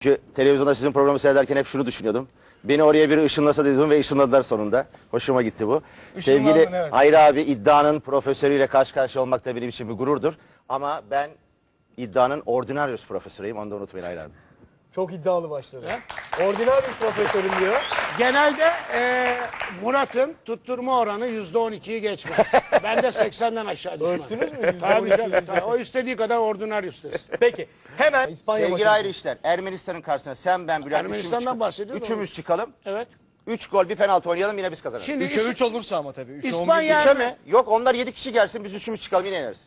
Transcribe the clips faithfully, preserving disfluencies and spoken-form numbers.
Çünkü televizyonda sizin programı seyrederken hep şunu düşünüyordum. Beni oraya biri ışınlasa dedim ve ışınladılar sonunda. Hoşuma gitti bu. Sevgili evet. Hayri abi, iddianın profesörüyle karşı karşıya olmak da benim için bir gururdur. Ama ben iddianın ordinarius profesörüyüm. Onu da unutmayın Hayri abi. Çok iddialı başladı. Ordinal bir profesörüm diyor. Genelde e, Murat'ın tutturma oranı yüzde on ikiyi geçmez. Ben de seksenden aşağı düşmem. Ölçtünüz mü? yüzde on Tabii iki, tabii. tabii. O istediği kadar ordinarius desin. Peki hemen İspanya Sevgili maçı. Hayri işler, Ermenistan'ın karşısına sen, ben, Bülent Ermenistan'dan üçümüz, bahsediyoruz. üçümüz çıkalım. Evet. Üç gol bir penaltı oynayalım, yine biz kazanırız. Şimdi üçe İs- üç olursa ama tabii. üçe on bir İspanya- Üçe mi? Yok, onlar yedi kişi gelsin, biz üçümüz çıkalım, yine yeneriz.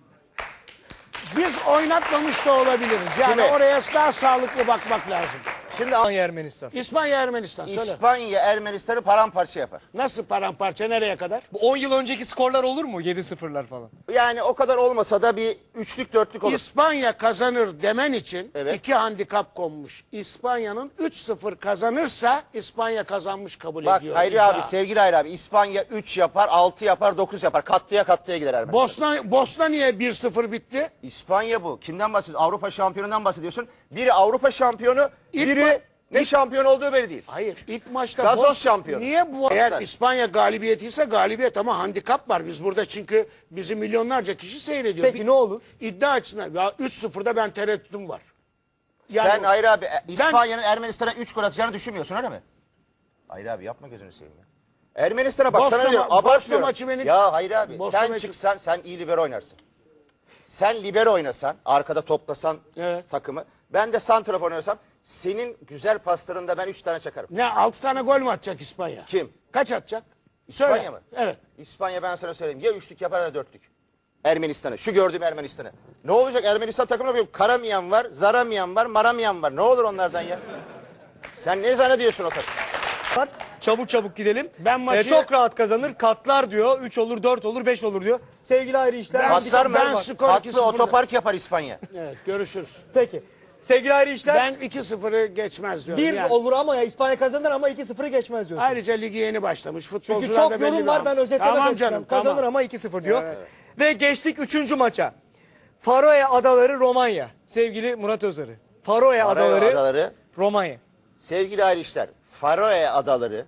biz oynatmamış da olabiliriz. Yani Kimi? oraya daha sağlıklı bakmak lazım. Şimdi İspanya Ermenistan. İspanya Ermenistan söyle. İspanya Ermenistan'ı paramparça yapar. Nasıl paramparça nereye kadar? Bu on yıl önceki skorlar olur mu? yedi sıfırlar falan. Yani o kadar olmasa da bir üçlük dörtlük olur. İspanya kazanır demen için Evet. iki handikap konmuş. İspanya'nın üç sıfır kazanırsa İspanya kazanmış kabul Bak ediyor. Hayri İddia. abi, sevgili Hayri abi, İspanya üç yapar, altı yapar, dokuz yapar. Katlıya katlıya gider Ermenistan. Bosna, Bosna niye bir sıfır bitti? İspanya bu. Kimden bahsediyorsun? Avrupa şampiyonundan bahsediyorsun. Biri Avrupa şampiyonu, İlk biri ma- ne şampiyon olduğu belli değil. Hayır, ilk maçta Gazoz Bos- şampiyonu. Niye bu? Eğer Evet. İspanya galibiyeti ise galibiyet ama handikap var. Biz burada çünkü bizi milyonlarca kişi seyrediyor. Peki Bir- ne olur? İddia açısından ya üç sıfırda ben tereddütüm var. Yani Sen Hayri abi, e, İspanya'nın Ermenistan'a üç gol atacağını düşünmüyorsun öyle mi? Hayri abi yapma, gözünü seveyim ya. Ermenistan'a bak, Bosna sana diyorum, ma- Bosna abartmıyorum. maçı beni- Ya Hayri abi, Bosna sen maçı- çıksan, sen iyi libero oynarsın. Sen libero oynasan, arkada toplasan Evet. takımı, ben de santrafor oynasam, senin güzel paslarında ben üç tane çakarım. ne altı tane gol mü atacak İspanya? Kim? Kaç atacak? İspanya Söyle. mı? Evet. İspanya, ben sana söyleyeyim, ya üçlük yapar ya dörtlük. Ermenistan'ı, şu gördüğüm Ermenistan'ı. Ne olacak Ermenistan takımına? Bir Karamiyan var, Zaramiyan var, Maramiyan var. Ne olur onlardan ya? Sen ne zannediyorsun o takım? Var. Çabuk çabuk gidelim. Ben maçı- Ee, çok rahat kazanır. Katlar diyor. üç olur, dört olur, beş olur diyor. Sevgili Hayri işler. Ben- Patlar mı? ben skor iki Patlı sıfır'da. otopark yapar İspanya. Evet, görüşürüz. Peki. Sevgili Hayri işler. Ben iki sıfırı geçmez diyorum. bir yani. olur ama ya İspanya kazanır ama iki sıfırı geçmez diyorsun. Ayrıca ligi yeni başlamış. Futbolcular Çünkü çok da belli yorum bir var, an- ben özetlemek Tamam istiyorum. canım, Kazanır tamam. ama iki sıfır diyor. Evet. Ve geçtik üçüncü maça. Faroe Adaları Romanya. Sevgili Murat Özarı. Faroe, Faroe Adaları, Adaları, Romanya. sevgili ayrı işler. Faroe Adaları,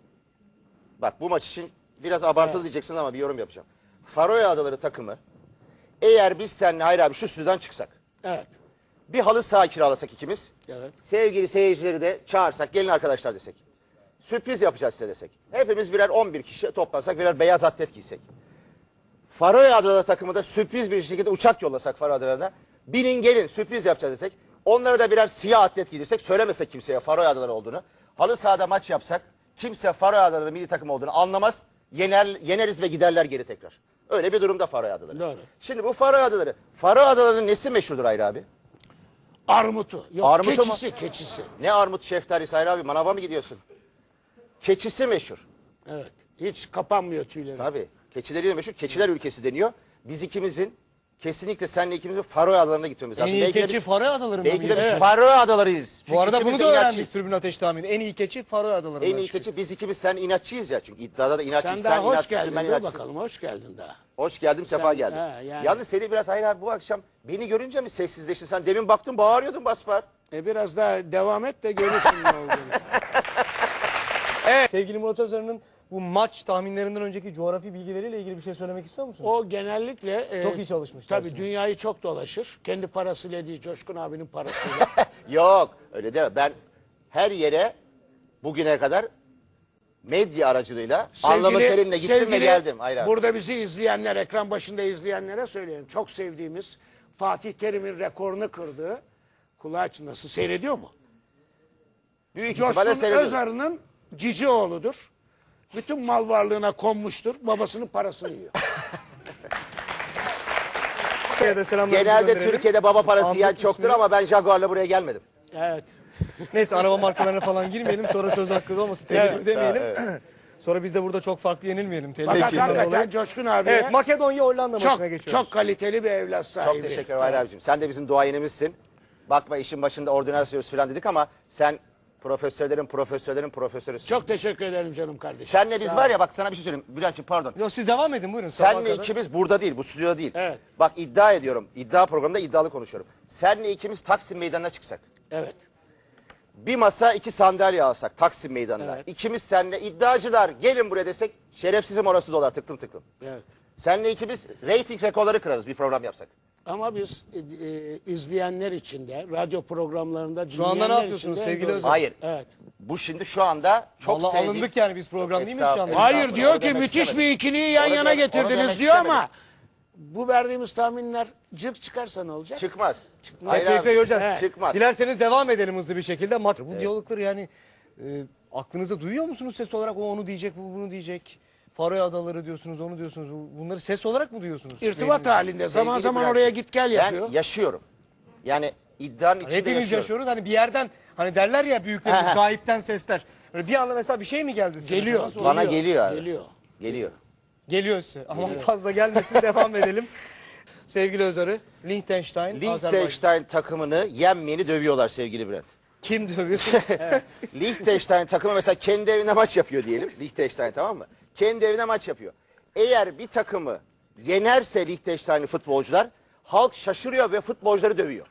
bak bu maç için biraz abartılı diyeceksiniz ama bir yorum yapacağım. Faroe Adaları takımı, eğer biz seninle Hayri abi şu stüdyodan çıksak, Evet. bir halı saha kiralasak ikimiz, Evet. sevgili seyircileri de çağırsak, gelin arkadaşlar desek. Sürpriz yapacağız size desek. Hepimiz birer on bir kişi toplansak, birer beyaz atlet giysek. Faroe Adaları takımı da sürpriz bir şekilde uçak yollasak Faroe Adaları'na. Binin gelin, sürpriz yapacağız desek. Onlara da birer siyah atlet giydirsek, söylemesek kimseye Faroe Adaları olduğunu. Halı sahada maç yapsak, kimse Faroe Adaları milli takım olduğunu anlamaz. Yener, yeneriz ve giderler geri tekrar. Öyle bir durumda Faroe Adaları. Doğru. Şimdi bu Faroe Adaları, Faroe Adaları'nın nesi meşhurdur Hayri abi? Armutu. Yok, Armutu mu? keçisi, keçisi. Ne armut şeftalisi Hayri abi, manava mı gidiyorsun? Keçisi meşhur. Evet. Hiç kapanmıyor tüyleri. Tabii. Keçileri de meşhur. Keçiler ülkesi deniyor. Biz ikimizin, kesinlikle seninle ikimizin Faroe Adaları'na gitmemiz lazım. En iyi Belki de keçi biz- Faroe Adaları'nda Belki de mıydı? biz Evet. Faroe Adalarıyız. Çünkü Bu arada ikimiz bunu de da öğrendik inatçıyız. Tribün Ateş tahmini. En iyi keçi Faroe Adaları'ndan En iyi çıkıyor. keçi biz ikimiz, sen inatçıyız ya. Çünkü iddiada da inatçıyız. Sen Sen, daha hoş inatçısın, geldin. ben Dur inatçısın. bakalım. Hoş geldin daha. Hoş geldim, sefa Sen- geldin. he, yani. Yalnız seni biraz Hayri abi bu akşam beni görünce mi sessizleştin? Sen demin baktın bağırıyordun basbar. E biraz daha devam et de görürsün ne olduğunu. Evet. Sevgili Murat Özarı'nın bu maç tahminlerinden önceki coğrafi bilgileriyle ilgili bir şey söylemek istiyor musunuz? O genellikle... e, Çok iyi çalışmış Tabii dersine. dünyayı çok dolaşır. Kendi parasıyla değil, Coşkun abinin parasıyla. Yok öyle deme. Ben her yere bugüne kadar medya aracılığıyla anlamı terimle gittim ve sevgili geldim. Hayri abi. Burada bizi izleyenler, ekran başında izleyenlere söyleyelim. Çok sevdiğimiz Fatih Terim'in rekorunu kırdığı, kulağı çınlasın, seyrediyor mu? Büyük ihtimalle Coşkun seyrediyorum. Özarı'nın cici oğludur. Bütün mal varlığına konmuştur. Babasının parasını yiyor. Türkiye'de selamlarımızı Genelde gönderelim. Türkiye'de baba parası Ahmet yiyen çoktur ismi- ama ben Jaguar'la buraya gelmedim. Evet. Neyse araba markalarına falan girmeyelim. Sonra söz hakkı olmasın. Tehlike Evet, demeyelim. Sonra biz de burada çok farklı yenilmeyelim. Tehlike Fakat içinden hakikaten dolayı. Coşkun abi Evet, Makedonya Hollanda çok, maçına geçiyoruz. çok kaliteli bir evlat sahibi. Çok teşekkür ederim Hayri abicim. Sen de bizim duayenimizsin. Bakma işin başında ordinal söz falan dedik ama sen profesörlerin profesörlerin profesörüsün. Çok teşekkür ederim canım kardeşim. Senle biz Sağ var ol. ya, bak sana bir şey söyleyeyim. Bülent'ciğim pardon. Yo, siz devam edin buyurun. sabaha Senle kadar. ikimiz burada değil, bu stüdyoda değil. Evet. Bak iddia ediyorum, iddia programında iddialı konuşuyorum. Senle ikimiz Taksim Meydanı'na çıksak. Evet. bir masa iki sandalye alsak Taksim Meydanı'na. Evet. İkimiz seninle iddiacılar gelin buraya desek şerefsizim orası dolar tıklım tıklım. Evet. Seninle ikimiz reyting rekorları kırarız bir program yapsak. Ama biz e, e, izleyenler için de radyo programlarında Şu anda ne dinleyenler yapıyorsunuz için de sevgili doğru. Özel? Hayır. Evet. Bu şimdi şu anda çok Vallahi sevdiğim... alındık yani biz program değil miyiz şu anda? Estağfurullah. Hayır diyor Onu ki demek müthiş istemedim. bir ikiliyi yan Onu yana demek- onu getirdiniz demek diyor ama istemedim. bu verdiğimiz tahminler cık çıkarsa ne olacak? Çıkmaz. Çıkmaz. Hayır Peki, abi, peki hocam. Evet. Çıkmaz. Dilerseniz devam edelim hızlı bir şekilde. Mat bu diyalogları yani e, aklınızda duyuyor musunuz ses olarak? O onu diyecek, bu bunu diyecek. Faroe Adaları diyorsunuz, onu diyorsunuz. Bu- Bunları ses olarak mı duyuyorsunuz? İrtibat Beyninizde? halinde zaman Sevgili zaman Bülent, oraya git gel Ben yapıyor. yaşıyorum. Yani iddianın içinde Hepimiz yaşıyorum. yaşıyoruz. Hani bir yerden hani derler ya büyüklerimiz He he. gayipten sesler. Böyle bir anda mesela bir şey mi geldi size? Geliyor. Nasıl Bana oluyor? geliyor abi. Geliyor. Geliyor. Geliyor size. Ama fazla gelmesin devam edelim. Sevgili Özarı, Liechtenstein, Azerbaycan. Liechtenstein takımını yenmeyeni dövüyorlar sevgili Bülent. Kim dövüyor? Liechtenstein takımı mesela kendi evine maç yapıyor diyelim. Liechtenstein, tamam mı? Kendi evine maç yapıyor. Eğer bir takımı yenerse Liechtenstein'li futbolcular halk şaşırıyor ve futbolcuları dövüyor.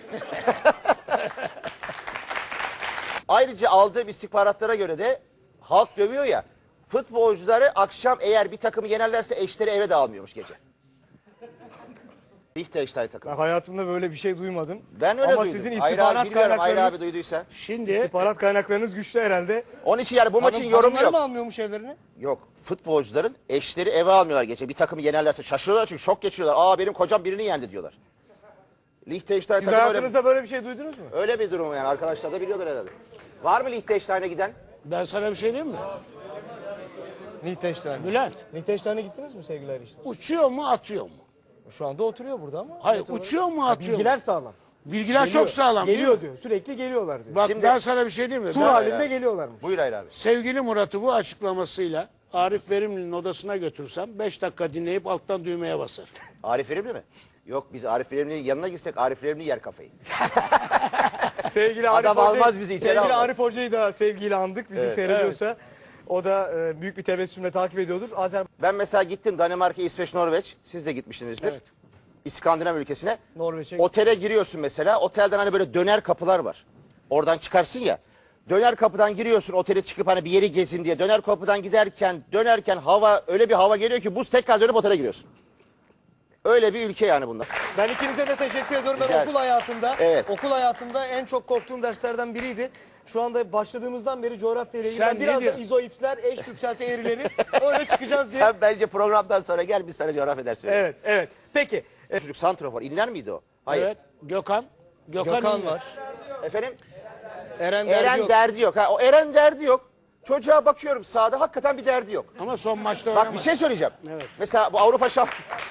Ayrıca aldığım istihbaratlara göre de halk dövüyor ya, futbolcuları akşam eğer bir takımı yenerlerse eşleri eve de almıyormuş gece. Liechtenstein takımı. Ben hayatımda böyle bir şey duymadım. Ben öyle Ama duydum. sizin Hayır abi, istihbarat bilmiyorum, Hayır kaynaklarınız, abi duyduysa. Şimdi istihbarat kaynaklarınız güçlü herhalde. Onun için yani bu maçın Hanım- yorumu hanımları yok. mı almıyormuş evlerine? Yok. Futbolcuların eşleri eve almıyorlar gece. Bir takımı yenerlerse şaşırıyorlar çünkü şok geçiriyorlar. Aa benim kocam birini yendi diyorlar. Liechtenstein Siz takımı öyle, hayatınızda böyle bir şey duydunuz mu? öyle bir durum yani. Arkadaşlar da biliyorlar herhalde. Var mı Liechtenstein'e giden? ben sana bir şey diyeyim mi? Liechtenstein. Bülent Liechtenstein'e gittiniz mi sevgili Erişte? uçuyor mu atıyor mu? Şu anda oturuyor burada ama. Hayır Net olarak- uçuyor mu Ha, atıyor mu? Bilgiler sağlam. Bilgiler Geliyor. çok sağlam değil Geliyor mi? diyor. Sürekli geliyorlar diyor. Bak Şimdi- ben sana bir şey diyeyim mi? Tur Ben- halinde abi. geliyorlarmış. Buyur Hayır abi. Sevgili Murat'ı bu açıklamasıyla Arif Verimli'nin odasına götürsem beş dakika dinleyip alttan düğmeye basar. Arif Verimli mi? Yok biz Arif Verimli'nin yanına gitsek Arif Verimli yer kafayı. Sevgili Arif Adam Hoca'yı- almaz bizi içeri Sevgili almaz. Arif Hoca'yı da sevgiyle andık. Bizi seyrediyorsa. O da e, büyük bir tebessümle takip ediyordur. Azer Ben mesela gittim Danimarka, İsveç, Norveç. Siz de gitmişsinizdir. Evet. İskandinav ülkesine. Norveç'e Otele giriyorsun mesela. Otelden hani böyle döner kapılar var. Oradan çıkarsın ya. Döner kapıdan giriyorsun otele çıkıp hani bir yeri gezin diye. Döner kapıdan giderken dönerken hava öyle bir hava geliyor ki buz tekrar dönüp otele giriyorsun. Öyle bir ülke yani bunlar. Ben ikinize de teşekkür ediyorum. Ben Rica ederim. okul hayatında, Evet. okul hayatında en çok korktuğum derslerden biriydi. Şu anda başladığımızdan beri coğrafya ile ilgili Sen ben ne biraz da diyorsun? izoipsler, eş yükselti eğrileri öyle çıkacağız diye. Sen bence programdan sonra gel biz sana coğrafya dersi verelim. Evet, evet. Peki. e, Çocuk santrafor. İnler miydi o? Hayır. Evet. Gökhan. Gökhan, Gökhan İnler. var. Efendim? Eren, Eren Derdi yok. derdi yok. Ha, o Eren derdi yok. Çocuğa bakıyorum sahada hakikaten bir derdi yok. Ama son maçta Bak oynamadı. bir şey söyleyeceğim. Evet. Mesela bu Avrupa şamp...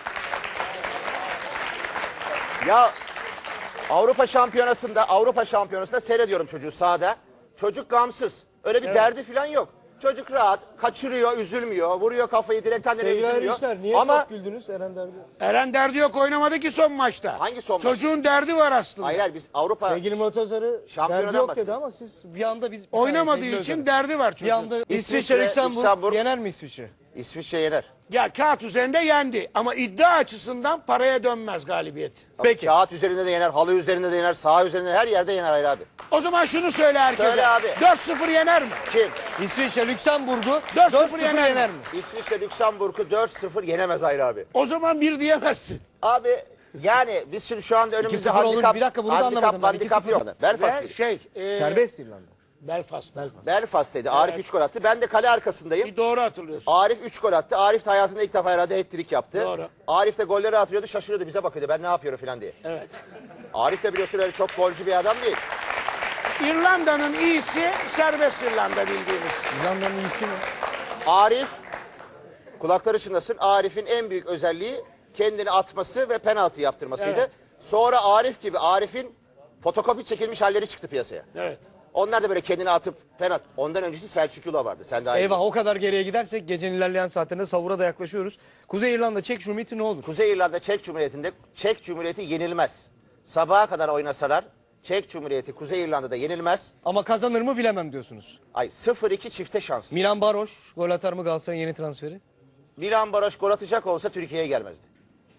ya Avrupa şampiyonasında Avrupa şampiyonasında seyrediyorum çocuğu sahada. Çocuk gamsız. Öyle bir derdi falan yok. Çocuk rahat, kaçırıyor, üzülmüyor, vuruyor kafayı direkten nereye Sevgili üzülmüyor. Erişler niye Ama çok güldünüz Eren Derdi yok. Eren derdi yok oynamadı ki son maçta. Hangi son maç? Çocuğun derdi var aslında. hayır hayır, biz Avrupa Sevgili Murat Özarı Şampiyonadan derdi yok dedi bahsediyor. ama siz bir anda biz... Oynamadığı Sevgili için Özarı, derdi var bir çocuğun. anda İsviçre, İsviçre, Lüksemburg, Lüksemburg. yener mi İsviçre? İsviçre yener. Ya kağıt üzerinde yendi ama iddia açısından paraya dönmez galibiyet. Peki. Kağıt üzerinde de yener, halı üzerinde de yener, saha üzerinde her yerde yener Hayır abi. O zaman şunu söyle herkese. Söyle abi. dört sıfır yener mi? Kim? İsviçre, Lüksemburg'u dört sıfır dört sıfır yener yener, mi? mi? İsviçre Lüksemburg'u dört sıfır yenemez Hayır abi. O zaman bir diyemezsin. Abi yani biz şimdi şu anda önümüzde sıfır olur. handikap, Bir dakika, bunu da handikap, anlamadım ben. handikap iki yok. sıfır. Belfast, Ve şey e, Serbest İrlanda. Belfast. Belfast'taydı. Arif üç gol attı. Ben de kale arkasındayım. Bir doğru hatırlıyorsun. Arif üç gol attı. Arif de hayatında ilk defa herhalde hat-trick yaptı. Doğru. Arif de golleri atıyordu, şaşırıyordu, bize bakıyordu. Ben ne yapıyorum falan diye. Evet. Arif de biliyorsun öyle çok golcü bir adam değil. İrlanda'nın iyisi serbest İrlanda bildiğimiz. İrlanda'nın iyisi mi? Arif, kulakları çınlasın, Arif'in en büyük özelliği kendini atması ve penaltı yaptırmasıydı. Evet. Sonra Arif gibi Arif'in fotokopi çekilmiş halleri çıktı piyasaya. Evet. Onlar da böyle kendini atıp penaltı. Ondan öncesi Selçuk Yula vardı. Sen daha iyi Eyvah bilirsin. o kadar geriye gidersek gecenin ilerleyen saatlerinde savura da yaklaşıyoruz. Kuzey İrlanda Çek Cumhuriyeti ne olur? Kuzey İrlanda Çek Cumhuriyeti'nde Çek Cumhuriyeti yenilmez. Sabaha kadar oynasalar Çek Cumhuriyeti Kuzey İrlanda'da yenilmez. Ama kazanır mı bilemem diyorsunuz. Ay sıfır iki çifte şans. Milan Baroş gol atar mı Galatasaray'ın yeni transferi? Milan Baroş gol atacak olsa Türkiye'ye gelmezdi.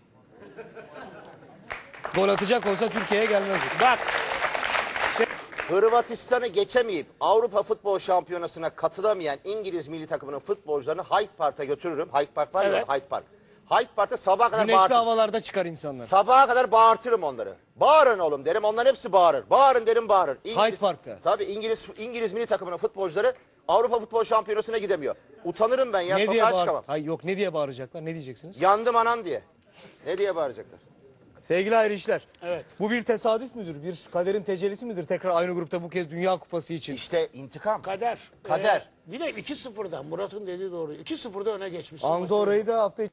Gol atacak olsa Türkiye'ye gelmez. Bak Hırvatistan'ı geçemeyip Avrupa Futbol Şampiyonası'na katılamayan İngiliz milli takımının futbolcularını Hyde Park'a götürürüm. Hyde Park var ya, Evet. Hyde Park. Hyde Park'ta sabaha kadar Güneşli bağırtırım. havalarda çıkar insanlar. Sabaha kadar bağırtırım onları. Bağırın oğlum derim. Onların hepsi bağırır. Bağırın derim, bağırır. İngiliz, Hyde Park'ta. Tabii İngiliz İngiliz milli takımının futbolcuları Avrupa Futbol Şampiyonası'na gidemiyor. Utanırım ben ya. Ne diye Sokağa bağır... çıkamam. Hayır yok, ne diye bağıracaklar? Ne diyeceksiniz? Yandım anam diye. Ne diye bağıracaklar? Sevgili ayrı işler. Evet. Bu bir tesadüf müdür? Bir kaderin tecellisi midir? Tekrar aynı grupta bu kez Dünya Kupası için. İşte intikam. Kader. Kader. Ee, bir de iki sıfırdan Murat'ın dediği doğru. iki sıfırda öne geçmiş. Andorra'yı da hafta